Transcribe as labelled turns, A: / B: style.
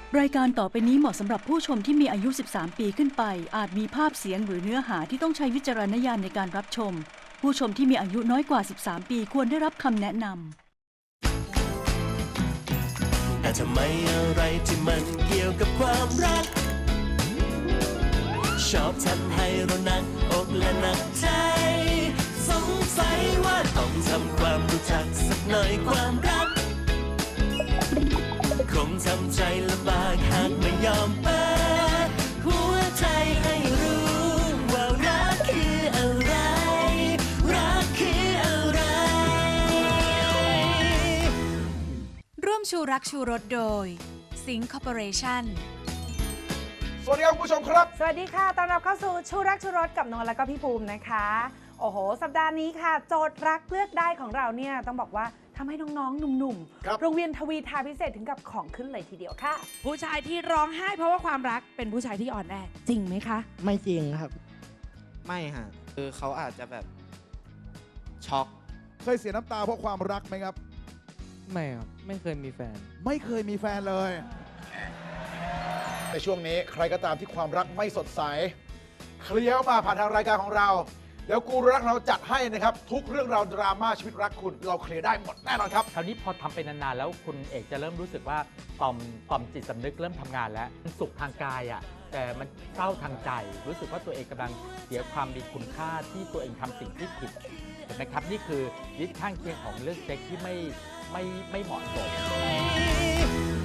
A: รายการต่อไปนี้เหมาะสำหรับผู้ชมที่มีอายุ 13 ปีขึ้นไป อาจมีภาพเสียงหรือเนื้อหาที่ต้องใช้วิจารณญาณในการรับชม ผู้ชมที่มีอายุน้อยกว่า 13 ปีควรได้รับคำแนะนำ
B: แต่ทำไมอะไรที่มันเกี่ยวกับความรัก ชอบทำให้เราหนักอกและหนักใจ สงสัยว่าต้องทำความรู้จักสักหน่อยความรัก คงทำใจลำบากหากไม่ยอมเปิดหัวใจให้รู้ว่ารักคืออะไร รักคืออะไร
C: ร่วมชูรักชูรสโดยสิงคอร์ปอเรชั่น
D: สวัสดีครับคุณผู้ชมครับ
E: สวัสดีค่ะ ต้อนรับเข้าสู่ชูรักชูรสกับนนท์และก็พี่ภูมินะคะ โอ้โห สัปดาห์นี้ค่ะ โจทย์รักเลือกได้ของเราเนี่ยต้องบอกว่าทำให้น้องๆ หนุ่ม
D: ครับ
E: ๆ โรงเรียนทวีทาพิเศษถึงกับของขึ้นเลยทีเดียวค่ะ
F: ผู้ชายที่ร้องไห้เพราะว่าความรักเป็นผู้ชายที่อ่อนแอจริงไหมคะ
G: ไม่จริงครับ
H: ไม่ฮะคือเขาอาจจะแบบช็อก
D: เคยเสียน้ำตาเพราะความรักไหมครับ
G: ไม่ครับ ไม่เคยมีแฟน
D: ไม่เคยมีแฟนเลย ในช่วงนี้ใครก็ตามที่ความรักไม่สดใส เคลียร์มาผ่านทางรายการของเรา เดี๋ยวกูรูรักเราจัดให้นะครับ ทุกเรื่องราวดราม่าชีวิตรักคุณเราเคลียร์ได้หมดแน่นอนครับ
I: คราวนี้พอทำไปนานๆแล้วคุณเอกจะเริ่มรู้สึกว่าต่อมจิตสำนึกเริ่มทำงานแล้วมันสุขทางกายอ่ะแต่มันเศร้าทางใจ รู้สึกว่าตัวเองกำลังเสียความมีคุณค่าที่ตัวเองทำสิ่งที่ผิดเห็นไหมครับนี่คือฤทธิ์ข้างเคียงของเรื่องเซ็กที่ไม่เหมาะสม